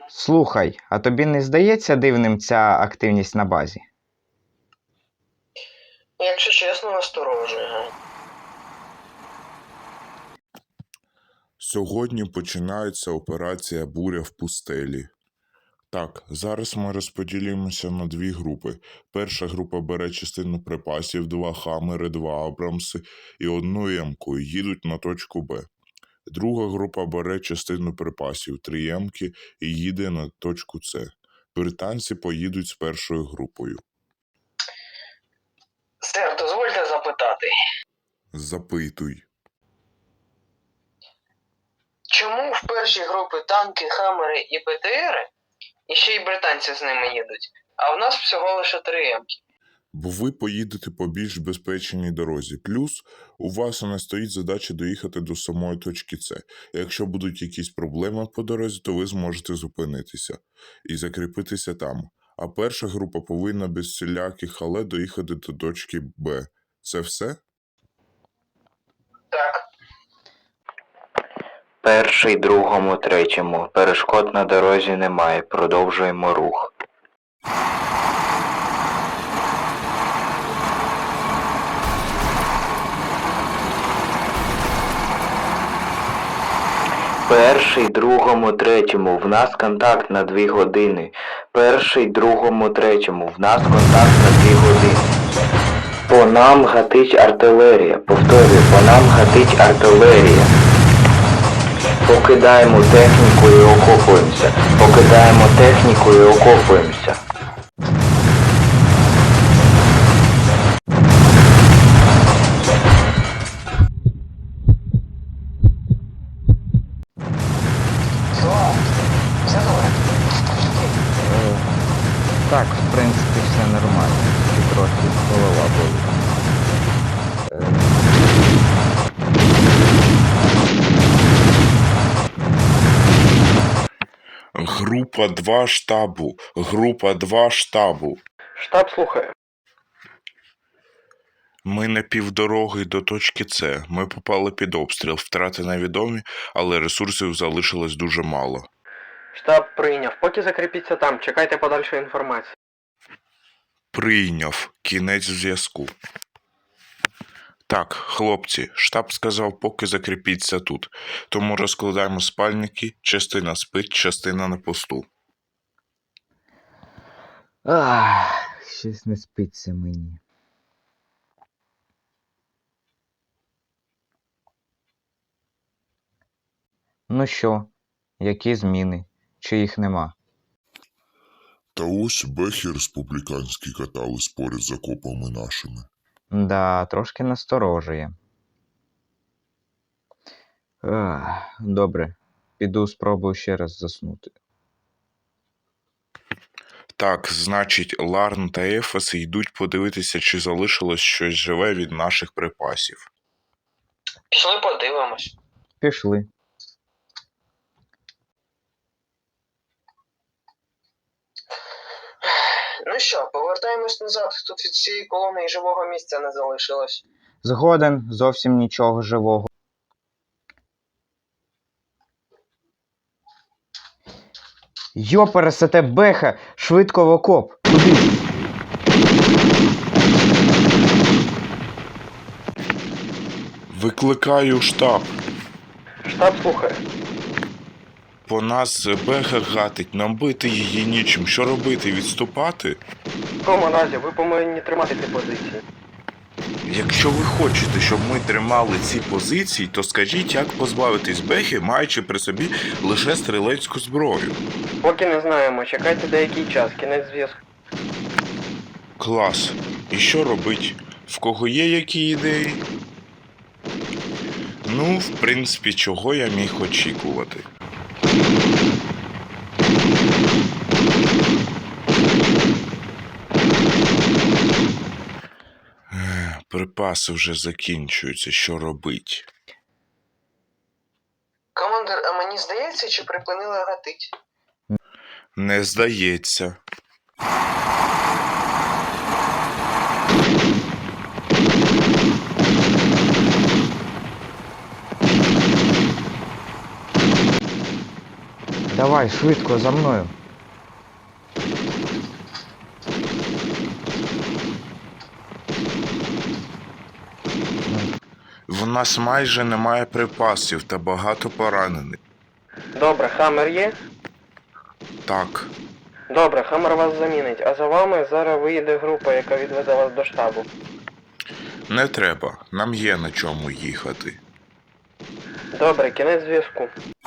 Слухай, а тобі не здається дивним ця активність на базі? Якщо чесно, насторожує. Сьогодні починається операція «Буря в пустелі». Так, зараз ми розподілимося на дві групи. Перша група бере частину припасів, 2 хамери, 2 абрамси і 1 емку і їдуть на точку Б. Друга група бере частину припасів, 3 емки і їде на точку С. Британці поїдуть з першою групою. Сер, дозвольте запитати. Запитуй. Чому в першій групі танки, хамери і БТРи, і ще й британці з ними їдуть, а в нас всього лише 3 емки? Бо ви поїдете по більш безпечній дорозі. Плюс у вас не стоїть задача доїхати до самої точки С. Якщо будуть якісь проблеми по дорозі, то ви зможете зупинитися і закріпитися там. А перша група повинна без всіляких але доїхати до точки Б. Це все? Так. Перший, другому, третьому. Перешкод на дорозі немає. Продовжуємо рух. Перший, другому, третьому. В нас контакт на 2 години. Перший, другому, третьому. В нас контакт на 2 години. По нам гатить артилерія. Повторюю, по нам гатить артилерія. Покидаємо техніку і окопуємося. Покидаємо техніку і окопуємося. Так, в принципі, все нормально. І трохи голова болить. Група 2 штабу. Група 2 штабу. Штаб слухає. Ми на півдороги до точки С. Ми попали під обстріл. Втрати невідомі, але ресурсів залишилось дуже мало. Штаб прийняв. Поки закріпіться там, чекайте подальшої інформації. Прийняв. Кінець зв'язку. Так, хлопці, штаб сказав, поки закріпіться тут. Тому розкладаємо спальники, частина спить, частина на посту. Щось не спиться мені. Ну що, які зміни? Чи їх нема? Та ось бехи республіканські катались поряд з окопами нашими. Да, трошки насторожує. Добре, піду спробую ще раз заснути. Так, значить, Ларн та Ефес йдуть подивитися, чи залишилось щось живе від наших припасів. Пішли подивимось. Пішли. Ну що, повертаємось назад. Тут від цієї колони і живого місця не залишилось. Згоден, зовсім нічого живого. Йопересете беха! Швидко в окоп! Куди? Викликаю штаб. Штаб слухає. По нас беха гатить, нам бити її нічим. Що робити, відступати? Команазі, ви повинні тримати ці позиції. Якщо ви хочете, щоб ми тримали ці позиції, то скажіть, як позбавитись бехи, маючи при собі лише стрілецьку зброю. Поки не знаємо, чекайте деякий час, кінець зв'язку. Клас. І що робить? В кого є які ідеї? Ну, в принципі, чого я міг очікувати. Припаси вже закінчуються, що робить? Командир, а мені здається, чи припинили гатить? Не здається. Давай, швидко, за мною. В нас майже немає припасів та багато поранених. Добре, Хаммер є? Так, Добре, Хаммер вас замінить, а за вами зараз виїде група, яка відвезе вас до штабу. не треба, нам є на чому їхати. Добре, кінець зв'язку.